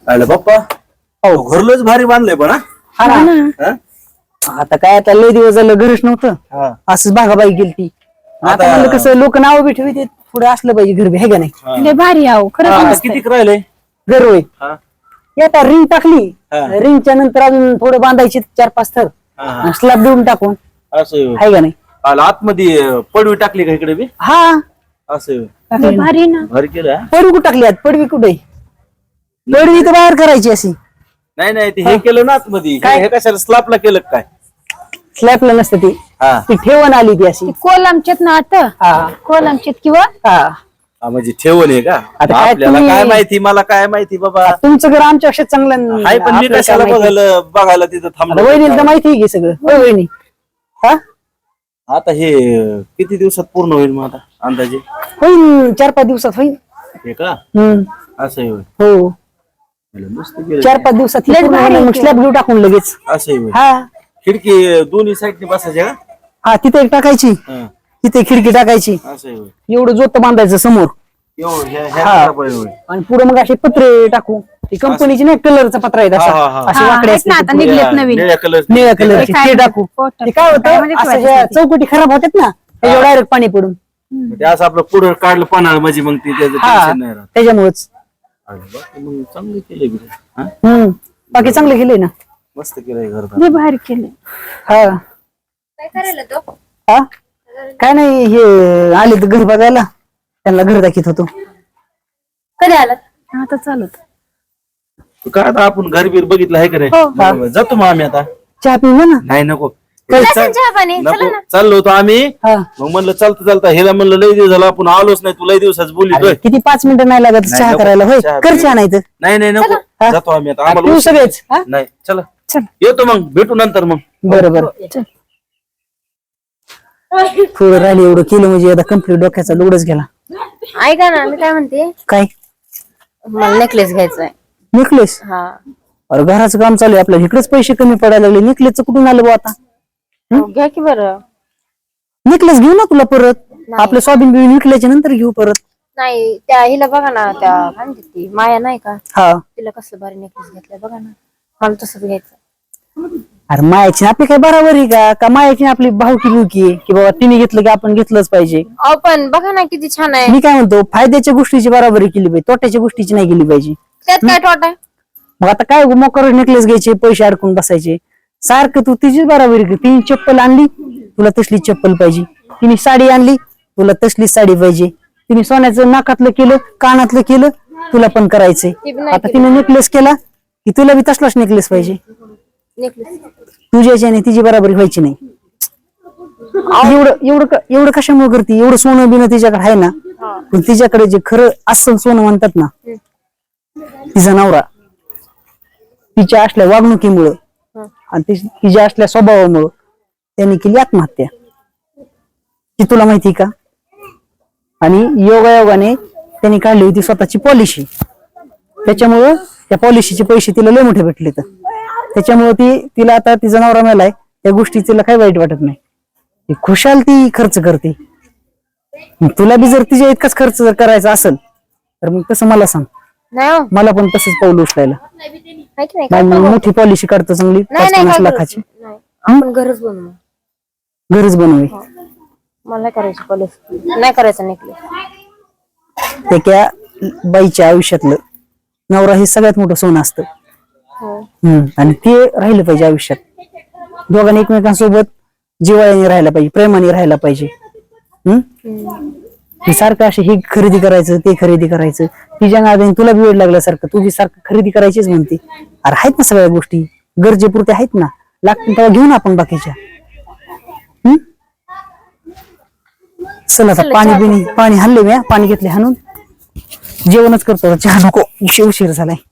आलं बाप्पा. हो घरलंच भारी बांधलंय पण ना. आता काय आता लय दिवस झालं घरच नव्हतं, असंच भागाबाई गेलती. आता म्हणलं कसं लोक नाव बी ठेवते, पुढे असलं पाहिजे घर बी, है का नाही. लय भारी आहो खरंच. किती राहिले घर होय. आता रिंग टाकली, रिंगच्या नंतर अजून थोडं बांधायची 4-5 थर, स्लॅब देऊन टाकून, असं आहे का नाही. आतमध्ये पडवी टाकली का इकडे बी. हा असं भारी ना. भारी केलं. पडवी कुठं टाकली, पडवी कुठे, पडवी तर बाहेर करायची अशी. नाही नाही ते हे केलं ना आतमध्ये, हे कशाला स्लॅबला केलं काय. स्लॅबला नसतं ती ठेवण आली ती अशी. कोलमचेत ना आता, कोलमचेत किंवा म्हणजे ठेवण आहे का. आता काय आपल्याला काय माहिती, मला काय माहिती बाबा. तुमचं घर आमच्यापेक्षा चांगलं आहे, पण मी कशाला बघायला तिथं थांबलो. वहिनीला तर माहिती आहे की सगळं. होय वहिनी. आता हे किती दिवसात पूर्ण होईल मग आता अंदाजे. होईल 4-5 दिवसात होईल. हे का असं होईल. हो मस्त केलं. 4-5 दिवसात मग स्लॅब घेऊ टाकून लगेच. असं होईल. हा खिडकी दोन्ही साईडने बसायच्या का. हा तिथे एक टाकायची, तिथे खिडकी टाकायची, असं होईल. एवढं जोत बांधायचं समोर. आणि पुढे मग असे पत्रे टाकू, ती कंपनीची नाही कलरचा पत्रा आहे असे वाकडे असते आता निघलेत नवीन निळ्या कलर. निळ्या कलरचे ते टाकू. ते काय होतं, असं ज्या चौकटी खराब होतात ना, त्याच्यावर डायरेक्ट पाणी पडून ते असं आपलं पुढं काढलं पानाळ म्हणजे मग ती त्याचं टेन्शन नाही राहत. त्याच्यामुळेच. मग चांगलं केलंय. बाकी चांगलं केलंय ना. मस्त केलंय घर. लय भारी केलं. हा काय करायला तो. काय नाही, हे आले तर घर बघायला, त्यांना घर दाखवत होतो. कधी आलात. आता चालत काय आता आपण घर बीर बघितलं आहे का रे. जातो मग आम्ही आता. चहा पिऊ ना. नाही नको चहा पाणी नको, चाललो होतो आम्ही. मग म्हणलं चालता हिला म्हणलं लय दिवस झाला आपण आलोच नाही, तू लय दिवसाच बोलतोय. किती 5 मिनिटं नाही लागत चहा करायला. होय कर चहा. नाही तर नाही नको, जातो आम्ही आता. आम्हाला सगळेच. नाही चला येतो मग, भेटू नंतर मग. बरोबर. थोडं राहिले एवढं केलं म्हणजे आता कम्प्लीट डोक्याचा लोडच गेला. ऐका ना, मी काय म्हणते, काय मला नेकलेस घ्यायचा आहे. नेकलेस. हा अरे घराचं काम चालू आहे आपल्याला, इकडेच पैसे कमी पडायला लागले. नेकलेसचं कुठून आलं बा आता. घ्या की बरं. नेकलेस घेऊ ना तुला परत, आपलं सोयाबीन बिबीन विकल्याच्या नंतर घेऊ परत. नाही त्या हिला बघा ना, त्या काय म्हणते ती माया नाही का, हा तिला कसलं भारी नेकलेस घेतलाय बघा ना, मला तसंच घ्यायचं. अरे मायाची आपली काय बरोबर आहे का मायाची आपली भावकी बिवकी आहे की बाबा तिने घेतलं की आपण घेतलंच पाहिजे. अहो पण बघा ना किती छान आहे. मी काय म्हणतो, फायद्याच्या गोष्टीची बराबरी केली पाहिजे, तोट्याच्या गोष्टीची नाही केली पाहिजे. त्यात काय तोटा आहे. मग आता काय मोकर नेकलेस घ्यायचे, पैसे अडकून बसायचे सारखं. तू तिचीच बराबरी कर. तिने चप्पल आणली, तुला तसली चप्पल पाहिजे. तिने साडी आणली, तुला तसलीच साडी पाहिजे. तिने सोन्याचं नाकातलं केलं, कानातलं केलं, तुला पण करायचंय. आता तिने नेकलेस केला की तुला बी तसलाच नेकलेस पाहिजे. तुझ्याची आणि तिची बराबरी व्हायची नाही. एवढं कशामुळे करते. एवढं सोनं बिनं तिच्याकडे आहे ना, पण तिच्याकडे जे खरं अस्सल सोनं म्हणतात ना, तिचा नवरा, तिच्या असल्या वागणुकीमुळं आणि तिच्या असल्या स्वभावामुळं त्यांनी केली आत्महत्या. ती तुला माहिती का. आणि योगायोगाने त्यांनी काढली होती स्वतःची पॉलिसी. त्याच्यामुळं त्या पॉलिसीचे पैसे तिला लय मोठे भेटले. तर त्याच्यामुळे तिला आता तिचा नवरा मेलाय, त्या गोष्टी तिला काही वाईट वाटत नाही. ती खुशाल ती खर्च करते. तुला बी जर तिच्या इतकाच खर्च जर करायचा असेल तर मग तसं मला सांग. मला पण तसंच पाऊल उचलायला. मोठी पॉलिसी काढतो चांगली 50 लाखाची. आपण घरच बनवू. घरच बनवे. मला करायची पॉलिसी नाही करायचं नेकलेस. त्या बाईच्या आयुष्यातलं नवरा हे सगळ्यात मोठं सोनं असतं. आणि ते राहिलं पाहिजे आयुष्यात. दोघांनी एकमेकांसोबत जिव्हाळ्याने राहायला पाहिजे, प्रेमाने राहायला पाहिजे. हे सारखं असे हे खरेदी करायचं, ते खरेदी करायचं, तिच्या नादाने तुला बी वेळ लागल्यासारखं तू बी सारखं खरेदी करायचीच म्हणते. अरे आहेत ना सगळ्या गोष्टी गरजेपुरत्या आहेत ना, लागतील तेव्हा घेऊन आपण बाकीच्या. चल आता पाणी हल्ले मी, पाणी घेतले हाणून, जेवणच करतो. चहा नको, उशीर झालाय.